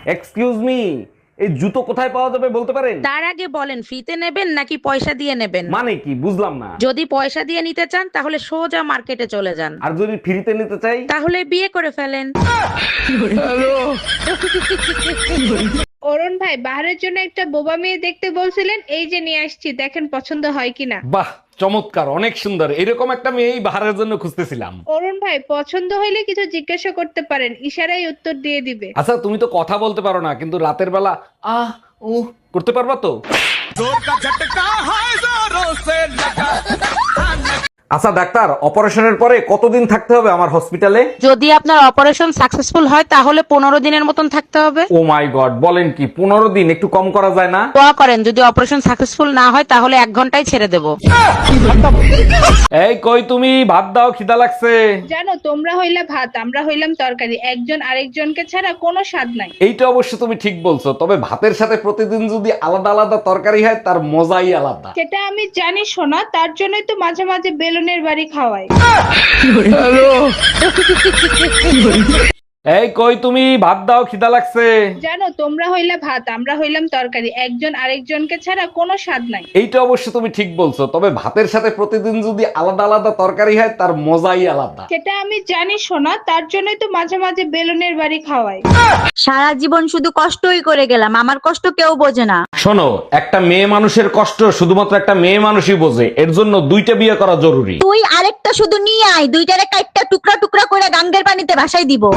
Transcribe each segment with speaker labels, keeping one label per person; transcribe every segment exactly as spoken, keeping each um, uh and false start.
Speaker 1: Excuse me, এই জুতো কোথায় পাওয়া যাবে বলতে পারেন?
Speaker 2: তার আগে বলেন ফ্রিতে নেবেন নাকি পয়সা দিয়ে নেবেন?
Speaker 1: মানে কি বুঝলাম না।
Speaker 2: যদি পয়সা দিয়ে নিতে চান তাহলে সোজা মার্কেটে চলে যান,
Speaker 1: আর যদি ফ্রিতে নিতে চাই?
Speaker 2: তাহলে বিয়ে করে ফেলেন।
Speaker 3: অরুণ ভাই, বাহারের জন্য একটা বোবা মেয়ে দেখতে বলছিলেন, এই যে নিয়ে আসছি, দেখেন পছন্দ হয় কিনা।
Speaker 1: বাহ, চমৎকার, অনেক সুন্দর। এরকম একটা মেয়েই বাহারের জন্য খুঁজতেছিলাম।
Speaker 3: অরুণ ভাই, পছন্দ হইলে কিছু জিজ্ঞাসা করতে পারেন, ইশারায় উত্তর দিয়ে দিবে।
Speaker 1: আচ্ছা, তুমি তো কথা বলতে পারো না, কিন্তু রাতের বেলা আহ উ করতে পারবা তো? আচ্ছা ডাক্তার, অপারেশনের পরে কতদিন থাকতে হবে আমার হসপিটালে?
Speaker 2: যদি আপনার অপারেশন সাকসেসফুল হয় তাহলে পনেরো দিনের মতন থাকতে হবে।
Speaker 1: ও মাই গড, বলেন কি? পনেরো দিন? একটু কম করা যায় না?
Speaker 2: দোয়া করেন যদি অপারেশন সাকসেসফুল না হয় তাহলে এক ঘন্টায় ছেড়ে দেব।
Speaker 1: এই কই তুমি, ভাত দাও, খিদা লাগছে।
Speaker 3: জানো, তোমরা হইলা ভাত, আমরা হইলাম তরকারি, একজন আরেকজনকে ছাড়া কোনো স্বাদ নাই।
Speaker 1: এইটা অবশ্য তুমি ঠিক বলছো, তবে ভাতের সাথে প্রতিদিন যদি আলাদা আলাদা তরকারি হয় তার মজাই আলাদা।
Speaker 3: সেটা আমি জানি শোনা, তার জন্যই তো মাঝে মাঝে বেলুনের বাড়ি খাওয়াই।
Speaker 1: এই কই তুমি, ভাত দাও, খিদা লাগছে।
Speaker 3: জানো, তোমরা হইলা ভাত, আমরা হইলাম তরকারি, একজন আরেকজনকে ছাড়া কোনো স্বাদ নাই।
Speaker 1: এইটা অবশ্য তুমি ঠিক বলছো, তবে ভাতের সাথে প্রতিদিন যদি আলাদা আলাদা তরকারি হয় তার মজাই আলাদা।
Speaker 3: সেটা আমি জানি শোনা, তার জন্যই তো মাঝে মাঝে বেলুনের বাড়ি খাওয়াই।
Speaker 4: সারা জীবন শুধু কষ্টই করে গেলাম, আমার কষ্ট কেউ বোঝে না।
Speaker 1: শোনো, একটা মেয়ে মানুষের কষ্ট শুধুমাত্র একটা মেয়ে মানুষই বোঝে, এর জন্য দুইটা বিয়ে করা জরুরি।
Speaker 4: তুই আরেকটা শুধু নিয়ে আয়, দুইটারে কাইটটা টুকরা টুকরা করে গাঙ্গের পানিতে ভাসাই দিব।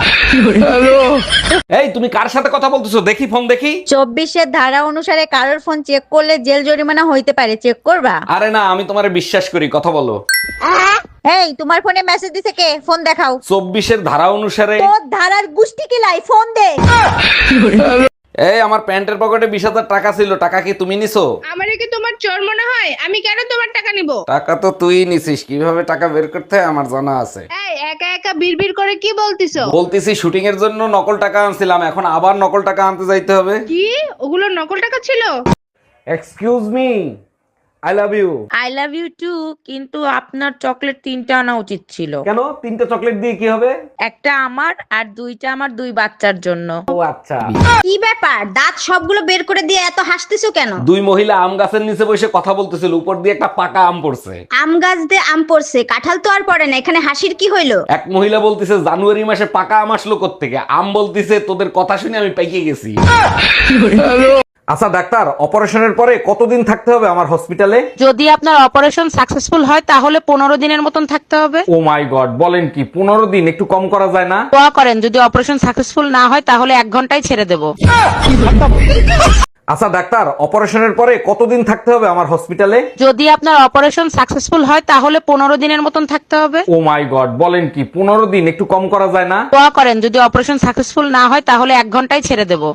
Speaker 1: এই তুমি কার সাথে কথা বলতেছো? দেখি ফোন দেখি।
Speaker 4: চব্বিশের ধারা অনুসারে কারোর ফোন চেক করলে জেল জরিমানা হইতে পারে, চেক করবা?
Speaker 1: আরে না, আমি তোমারে বিশ্বাস করি, কথা বলো।
Speaker 4: এই তোমার ফোনে মেসেজ দিছে কে? ফোন দেখাও।
Speaker 1: চব্বিশের ধারা অনুসারে।
Speaker 4: তোর ধারার গুষ্টি কিলাই, ফোন দে।
Speaker 1: এই আমার প্যান্টের পকেটে বিশ হাজার টাকা ছিল, টাকা কি তুমি নিছো?
Speaker 3: আমারে কি তোমার চোর মনে হয়? আমি কেন তোমার টাকা নিব?
Speaker 1: টাকা তো তুই নিছিস, কিভাবে টাকা বের করতে হয় আমার জানা আছে।
Speaker 3: এই একা একা বিড়বিড় করে কি বলতিছো?
Speaker 1: বলতেছি শুটিং এর জন্য নকল টাকা আনছিলাম, এখন আবার নকল টাকা আনতে যাইতে হবে।
Speaker 3: কি? ওগুলো নকল টাকা ছিল?
Speaker 1: Excuse me, I love you.
Speaker 2: I love you too, কিন্তু আপনার চকলেট তিনটা আনা উচিত ছিল।
Speaker 1: কেন? তিনটা চকলেট দিয়ে কি হবে?
Speaker 2: একটা আমার আর দুইটা আমার দুই বাচ্চার জন্য।
Speaker 1: ও আচ্ছা।
Speaker 4: কি ব্যাপার, দাঁত সবগুলো বের করে দিয়ে এত হাসতেছো কেন?
Speaker 1: দুই মহিলা আম গাছের নিচে বসে কথা বলতেছিল, উপর দিয়ে একটা পাকা আম পড়ছে।
Speaker 4: আম গাছ দিয়ে আম পড়ছে, কাঁঠাল তো আর পড়ে না, এখানে হাসির কি হইলো?
Speaker 1: এক মহিলা বলতিছে জানুয়ারি মাসে পাকা আম আসলো কোত্থেকে? আম বলতিছে তোদের কথা শুনে আমি পাইকে গেছি। আচ্ছা ডাক্তার, অপারেশনের পরে কতদিন থাকতে হবে আমার হসপিটালে?
Speaker 2: যদি আপনার অপারেশন সাকসেসফুল হয় তাহলে পনেরো দিনের মতন থাকতে হবে।
Speaker 1: ও মাই গড, বলেন কি? পনেরো দিন? একটু কম করা যায় না?
Speaker 2: দোয়া করেন যদি অপারেশন সাকসেসফুল না হয় তাহলে এক ঘন্টায় ছেড়ে দেব।
Speaker 1: আচ্ছা ডাক্তার, অপারেশনের পরে কতদিন থাকতে হবে আমার হসপিটালে?
Speaker 2: যদি আপনার অপারেশন সাকসেসফুল হয় তাহলে পনেরো দিনের মতন থাকতে হবে।
Speaker 1: ও মাই গড, বলেন কি? পনেরো দিন? একটু কম করা যায় না?
Speaker 2: দোয়া করেন যদি অপারেশন সাকসেসফুল না হয় তাহলে এক ঘন্টায় ছেড়ে দেব।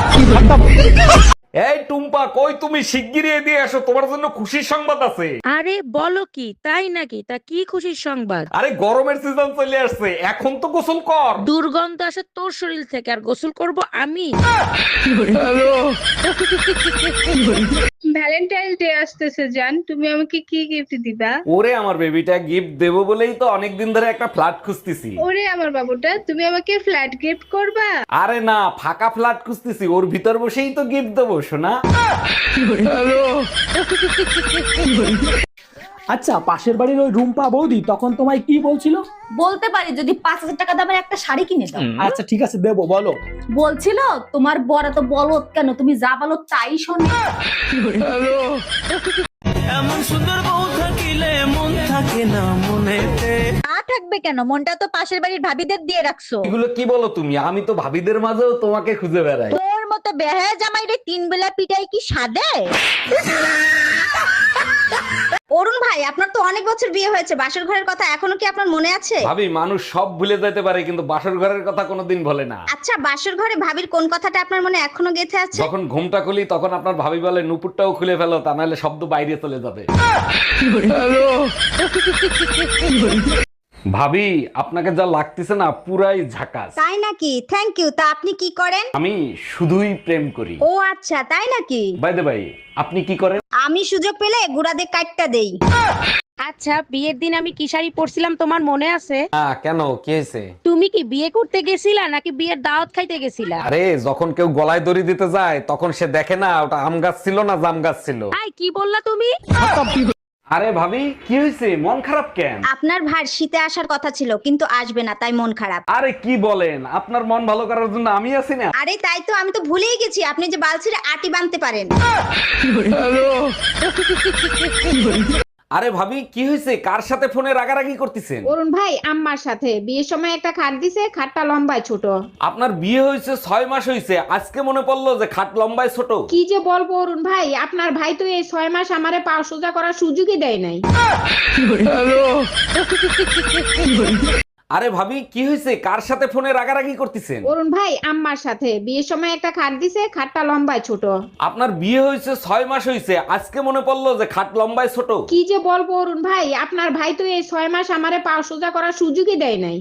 Speaker 1: এই টুম্পা, কই তুমি? শিগগিরই এদিকে আসো, তোমার জন্য খুশির সংবাদ আছে।
Speaker 2: আরে বলো কি, তাই নাকি? তা কি খুশির সংবাদ?
Speaker 1: আরে গরমের সিজন চলে আসছে, এখন তো গোসল কর।
Speaker 2: দুর্গন্ধ আসে তোর শরীর থেকে, আর গোসল করব আমি?
Speaker 3: ভ্যালেন্টাইন্স ডে আসতেছে জান, তুমি আমাকে কি গিফট দিবা?
Speaker 1: ওরে আমার বেবিটা, গিফট দেবো বলেই তো অনেকদিন ধরে একটা ফ্ল্যাট খুঁজতেছি।
Speaker 3: ওরে আমার বাবুটা, তুমি আমাকে ফ্ল্যাট গিফট করবা?
Speaker 1: আরে না, ফাঁকা ফ্ল্যাট খুঁজতেছি, ওর ভিতর বসেই তো গিফট দেবো শোনা।
Speaker 5: আচ্ছা, পাশের বাড়ির ওই রুম্পা বৌদি তখন তোমায় কি বলছিল?
Speaker 6: বলতে পারি যদি পাঁচ হাজার টাকা দামের একটা শাড়ি কিনে দাও।
Speaker 5: আচ্ছা ঠিক আছে, দেবো, বলো।
Speaker 6: বলছিল তোমার বড় তো বলত কেন, তুমি যা বলো তাই শোনে।
Speaker 7: এমন সুন্দর বউ থাকিলে মন থাকে না মনেতে।
Speaker 4: না থাকবে কেন, মনটা তো পাশের বাড়ির ভাবিদের দিয়ে রাখছো।
Speaker 1: এগুলো কি বলো তুমি? আমি তো ভাবিদের মাঝেও তোমাকে খুঁজে বেড়াই।
Speaker 4: তোর মতো বেহায়া জামাইরে তিন বেলা পিটাই কি সাদে? অরুণ ভাই, আপনার তো অনেক বছর বিয়ে হয়েছে, বাসর ঘরের কথা এখনো কি আপনার মনে আছে?
Speaker 1: ভাবি, মানুষ সব ভুলে যেতে পারে কিন্তু বাসর ঘরের কথা কোনোদিন ভোলে না।
Speaker 4: আচ্ছা, বাসর ঘরে ভাবির কোন কথাটা আপনার মনে এখনো গেঁথে আছে?
Speaker 1: যখন ঘুমটা খুলি তখন আপনার ভাবি বলে নুপুরটাও খুলে ফেলো, তা নাহলে শব্দ বাইরে চলে যাবে। ভাবি, আপনাকে যা লাগতেছে না পুরাই ঝাকাস।
Speaker 4: তাই নাকি? Thank you. তা আপনি কি করেন?
Speaker 1: আমি শুধুই প্রেম করি।
Speaker 4: ও আচ্ছা, তাই নাকি?
Speaker 1: বাই দ্য বাই, আপনি কি করেন?
Speaker 4: আমি সুযোগ পেলে গুড়াদের কাটটা দেই।
Speaker 2: আচ্ছা, বিয়ের দিন আমি কি শাড়ি পরছিলাম তোমার মনে আছে?
Speaker 1: হ্যাঁ, কেন কি হয়েছে?
Speaker 2: তুমি কি বিয়ে করতে গেছিলা নাকি বিয়ের দাওয়াত খাইতে গেছিলা?
Speaker 1: আরে যখন কেউ গলায় দড়ি দিতে যায় তখন সে দেখে না ওটা আম গাছ ছিল না জাম গাছ ছিল।
Speaker 2: আই কি বললা তুমি?
Speaker 1: আরে ভাবি কি হয়েছে, মন খারাপ কেন?
Speaker 4: আপনার ভাই শীতে আসার কথা ছিল কিন্তু আসবে না, তাই মন খারাপ।
Speaker 1: আরে কি বলেন, আপনার মন ভালো করার জন্য আমি আছি না।
Speaker 4: আরে তাই তো, আমি তো ভুলেই গেছি আপনি যে বালছিরে আটি বানতে পারেন।
Speaker 1: আরে ভাবি কি হয়েছে, কার সাথে ফোনে রাগারাগি করতেছেন?
Speaker 3: অরুণ ভাই আম্মার সাথে বিয়ের সময় একটা খাট দিছে, খাটটা লম্বায় ছোট।
Speaker 1: আপনার বিয়ে হয়েছে ছয় মাস হয়েছে, আজকে মনে পড়লো যে খাট লম্বায় ছোট।
Speaker 3: কি যে বলবো অরুণ ভাই, আপনার ভাই তো এই ছয় মাস আমারে পা সোজা করার সুযোগই দেয় নাই।
Speaker 1: আরে ভাবি কি হয়েছে, কার সাথে ফোনে রাগারাগি করতেছেন?
Speaker 3: অরুণ ভাই আম্মার সাথে বিয়ের সময় একটা খাট দিছে, খাটটা লম্বায় ছোট।
Speaker 1: আপনার বিয়ে হয়েছে ছয় মাস হয়েছে, আজকে মনে পড়লো যে খাট লম্বায় ছোট।
Speaker 3: কি যে বলবো অরুণ ভাই, আপনার ভাই তো এই ছয় মাস আমারে পা সোজা করার সুযোগই দেয় নাই।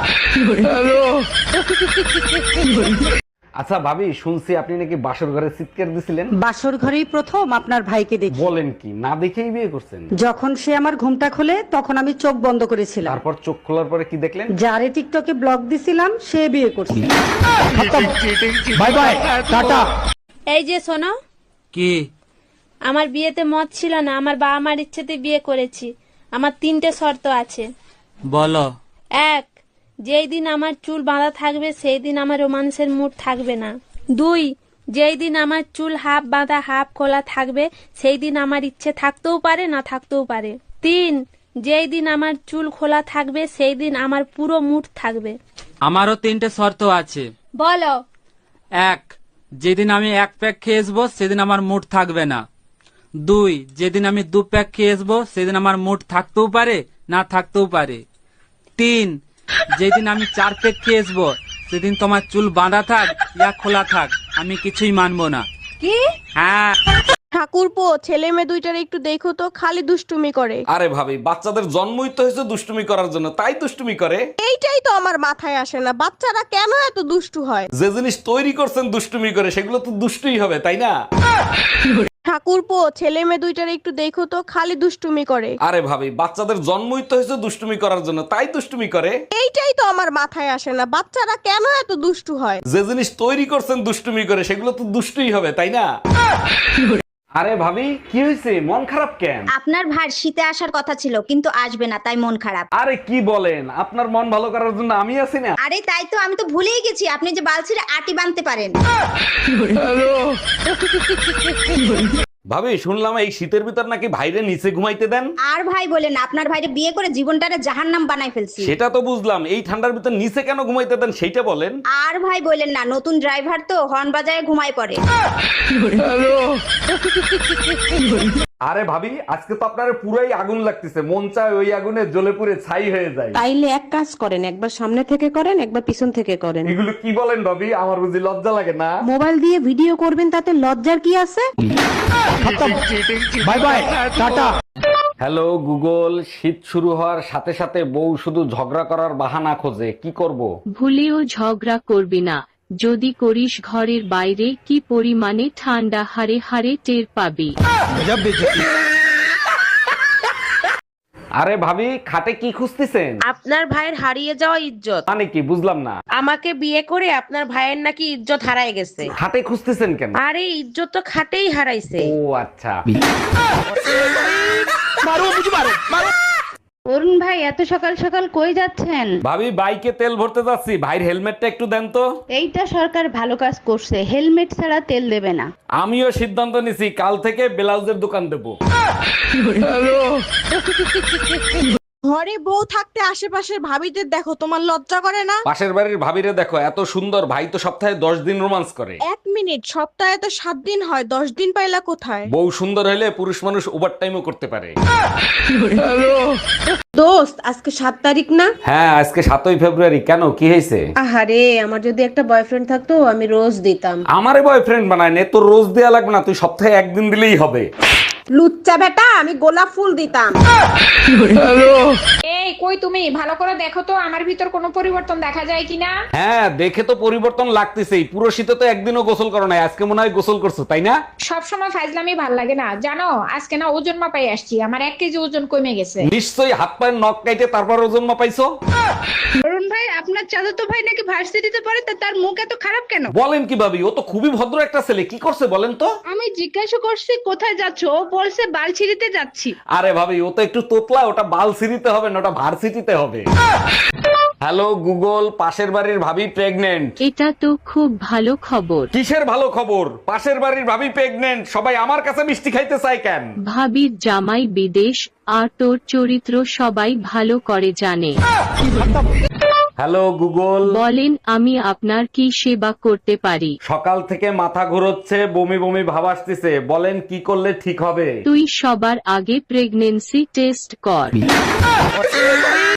Speaker 1: আচ্ছা ভাবি, শুনছি আপনি নাকি বাসর ঘরে চিৎকার দিছিলেন।
Speaker 8: বাসর ঘরেই প্রথম আপনার ভাইকে দেখি।
Speaker 1: বলেন কি, না দেখেই বিয়ে করছেন?
Speaker 8: যখন সে আমার ঘুমটা খোলে তখন আমি চোখ বন্ধ করেছিলাম।
Speaker 1: তারপর চোখ খোলার পরে কি দেখলেন?
Speaker 8: যারে টিকটকে ব্লক দিছিলাম সে বিয়ে করছে।
Speaker 5: Bye bye tata.
Speaker 9: এই যে শোনো,
Speaker 7: কি
Speaker 9: আমার বিয়েতে মত ছিল না, আমার বাবা মার ইচ্ছেতে বিয়ে করেছি। আমার তিনটে শর্ত আছে।
Speaker 7: বলো।
Speaker 9: এক, যেই দিন আমার চুল বাঁধা থাকবে সেই দিন আমার রোমান্সের মুড থাকবে না। দুই, যেই দিন আমার চুল হাফ বাঁধা হাফ খোলা থাকবে সেই দিন আমার ইচ্ছে থাকতেও পারে না থাকতেও পারে। তিন, যেই দিন আমার চুল খোলা থাকবে সেই দিন আমার পুরো মুড থাকবে।
Speaker 7: আমারও তিনটে শর্ত আছে।
Speaker 9: বলো।
Speaker 7: এক, যেদিন আমি এক প্যাক খেয়ে আসবো সেদিন আমার মুড থাকবে না। দুই, যেদিন আমি দু প্যাক খেয়ে আসবো সেদিন আমার মুড থাকতেও পারে না থাকতেও পারে। তিন, যেদিন আমি চার প্যাক খেয়ে আসবো সেদিন তোমার চুল বাঁধা থাক ইয়া খোলা থাক আমি কিছুই মানবো না।
Speaker 9: কি?
Speaker 7: হ্যাঁ।
Speaker 9: ঠাকুরপো, ছেলে মেয়ে দুইটার একটু দেখো তো, খালি দুষ্টুমি করে।
Speaker 1: আরে ভাবি, বাচ্চাদের জন্মই তো হয়েছে দুষ্টুমি করার জন্য, তাই দুষ্টুমি করে।
Speaker 9: এইটাই তো আমার মাথায় আসে না, বাচ্চারা কেন এত দুষ্টু হয়?
Speaker 1: যে জিনিস তৈরি করছেন দুষ্টুমি করে সেগুলো তো দুষ্টুই হবে, তাই না?
Speaker 9: ঠাকুরপো, ছেলে মেয়ে দুইটার একটু দেখো তো, খালি দুষ্টুমি করে।
Speaker 1: আরে ভাবি, বাচ্চাদের জন্মই তো হয়েছে দুষ্টুমি করার জন্য, তাই দুষ্টুমি করে।
Speaker 9: এইটাই তো আমার মাথায় আসে না, বাচ্চারা কেন এত দুষ্টু হয়?
Speaker 1: যে জিনিস তৈরি করছেন দুষ্টুমি করে সেগুলো তো দুষ্টুই হবে, তাই না? আরে ভাবি কি হয়েছে, মন খারাপ কেন?
Speaker 4: আপনার ভাই শীতে আসার কথা ছিল কিন্তু আসবে না, তাই মন খারাপ।
Speaker 1: আরে কি বলেন, আপনার মন ভালো করার জন্য আমি আছি না।
Speaker 4: আরে তাই তো, আমি তো ভুলেই গেছি আপনি যে বালছিরে আটি বানতে পারেন।
Speaker 1: ভাবি শুনলাম এই শীতের ভিতর নাকি ভাইরে নিচে ঘুমাইতে দেন।
Speaker 4: আর ভাই বলেন, আপনার ভাইরে বিয়ে করে জীবনটারে জাহান্নাম বানাই ফেলছি।
Speaker 1: সেটা তো বুঝলাম, এই ঠান্ডার ভিতর নিচে কেন ঘুমাইতে দেন সেইটা বলেন।
Speaker 4: আর ভাই বলেন না, নতুন ড্রাইভার তো হর্ন বাজায় ঘুমায় পড়ে।
Speaker 1: আরে ভাবি, আজকে তো আপনার পুরাই আগুন লাগতেছে, মন চায় ওই আগুনে জ্বলে পুড়ে ছাই হয়ে যায়।
Speaker 8: তাইলে এক কাজ করেন, একবার সামনে থেকে করেন একবার পিছন থেকে করেন।
Speaker 1: এগুলো কি বলেন ভাবি, আমার বুঝি লজ্জা লাগে না?
Speaker 8: মোবাইল দিয়ে ভিডিও করবেন, তাতে লজ্জার কি আছে?
Speaker 5: Bye bye tata.
Speaker 1: Hello Google, শীত শুরু হওয়ার সাথে সাথে বউ শুধু ঝগড়া করার বাহানা খোঁজে, কি করব?
Speaker 10: ভুলেও ঝগড়া করবি না, যদি করিস ঘরের বাইরে কি পরিমাণে ঠান্ডা হারে হারে টের পাবি।
Speaker 1: আরে ভাবি, খাটে কি খুঁজতেছেন?
Speaker 2: আপনার ভাইয়ের হারিয়ে যাওয়া ইজ্জত।
Speaker 1: মানে কি, বুঝলাম না।
Speaker 2: আমাকে বিয়ে করে আপনার ভাইয়ের নাকি ইজ্জত হারায় গেছে।
Speaker 1: খাটে খুঁজতেছেন কেন?
Speaker 2: আরে ইজ্জত তো খাটেই হারাইছে।
Speaker 1: ও আচ্ছা।
Speaker 3: অরুণ ভাই এত সকাল সকাল কই যাচ্ছেন?
Speaker 1: ভাবি বাইকে তেল ভরতে যাচ্ছি, ভাইয়ের হেলমেটটা একটু দেন তো।
Speaker 3: এইটা সরকার ভালো কাজ করছে, হেলমেট ছাড়া তেল দেবে না।
Speaker 1: আমিও সিদ্ধান্ত নিছি, কাল থেকে ব্লাউজের দোকান দেবো।
Speaker 9: ঘরে বউ থাকতে আশেপাশের ভাবিদের দেখো, তোমার লজ্জা করে না?
Speaker 1: পাশের বাড়ির ভাবিরে দেখো, এত সুন্দর, ভাই তো সপ্তাহে দশ দিন রোমান্স করে।
Speaker 9: এক মিনিট, সপ্তাহে তো সাত দিন হয়, দশ দিন পাইলা কোথায়?
Speaker 1: বউ সুন্দর হলে পুরুষ মানুষ ওভার টাইমও করতে পারে।
Speaker 8: দোস্ত, আজকে সাত তারিখ না?
Speaker 1: হ্যাঁ, আজকে সাতই ফেব্রুয়ারি, কেন কি হয়েছে?
Speaker 8: আহারে, আমার যদি একটা বয়ফ্রেন্ড থাকতো আমি রোজ দিতাম।
Speaker 1: আমারে বয়ফ্রেন্ড বানায় নে, তোর রোজ দেয়া লাগবে না, তুই সপ্তাহে একদিন দিলেই হবে।
Speaker 8: লুচ্চা বেটা, আমি গোলাপ ফুল দিতাম।
Speaker 9: এই
Speaker 3: কই তুমি ভালো করে দেখো তো আমার ভিতর কোনো পরিবর্তন দেখা যায় কিনা।
Speaker 1: হ্যাঁ, দেখে তো পরিবর্তন লাগতেছেই। পুরো শীতে তো একদিনও গোসল করো নাই, আজকে মনে হয় গোসল করছো, তাই না?
Speaker 3: সব সময় ফাইজলামি ভাল লাগে না জানো, আজকে না ওজন মাপাই আসছি, আমার এক কেজি ওজন কমে গেছে।
Speaker 1: নিশ্চয়ই হাত পায়ের নখ কাইটে তারপর ওজন মাপাইছো।
Speaker 3: অরুণ ভাই আপনার চাচাতো ভাই নাকি ভার্সিটিতে পড়ে, তা তার মুখ এত খারাপ কেন?
Speaker 1: বলেন কি ভাবি, ও তো খুবই ভদ্র একটা ছেলে, কি করছে বলেন তো?
Speaker 3: আমি জিজ্ঞাসা করছি কোথায় যাচ্ছ, ও বলছে বালছিড়িতে যাচ্ছি।
Speaker 1: আরে ভাবি, ও তো একটু তোতলা, ওটা বাল সিরিতে হবে না, ওটা ভার্সিটিতে হবে। হ্যালো গুগল, পাশের বাড়ির ভাবি প্রেগনেন্ট।
Speaker 10: এটা তো খুব ভালো খবর।
Speaker 1: কিসের ভালো খবর? পাশের বাড়ির ভাবি প্রেগনেন্ট, সবাই আমার কাছে মিষ্টি খাইতে চায় কেন?
Speaker 10: ভাবির জামাই বিদেশ, আর তোর চরিত্র সবাই ভালো করে জানে।
Speaker 1: হ্যালো গুগল,
Speaker 10: বলেন আমি আপনার কি সেবা করতে পারি?
Speaker 1: সকাল থেকে মাথা ঘুরোচ্ছে, বমি বমি ভাব আসতেছে, বলেন কি করলে ঠিক হবে?
Speaker 10: তুই সবার আগে প্রেগনেন্সি টেস্ট কর।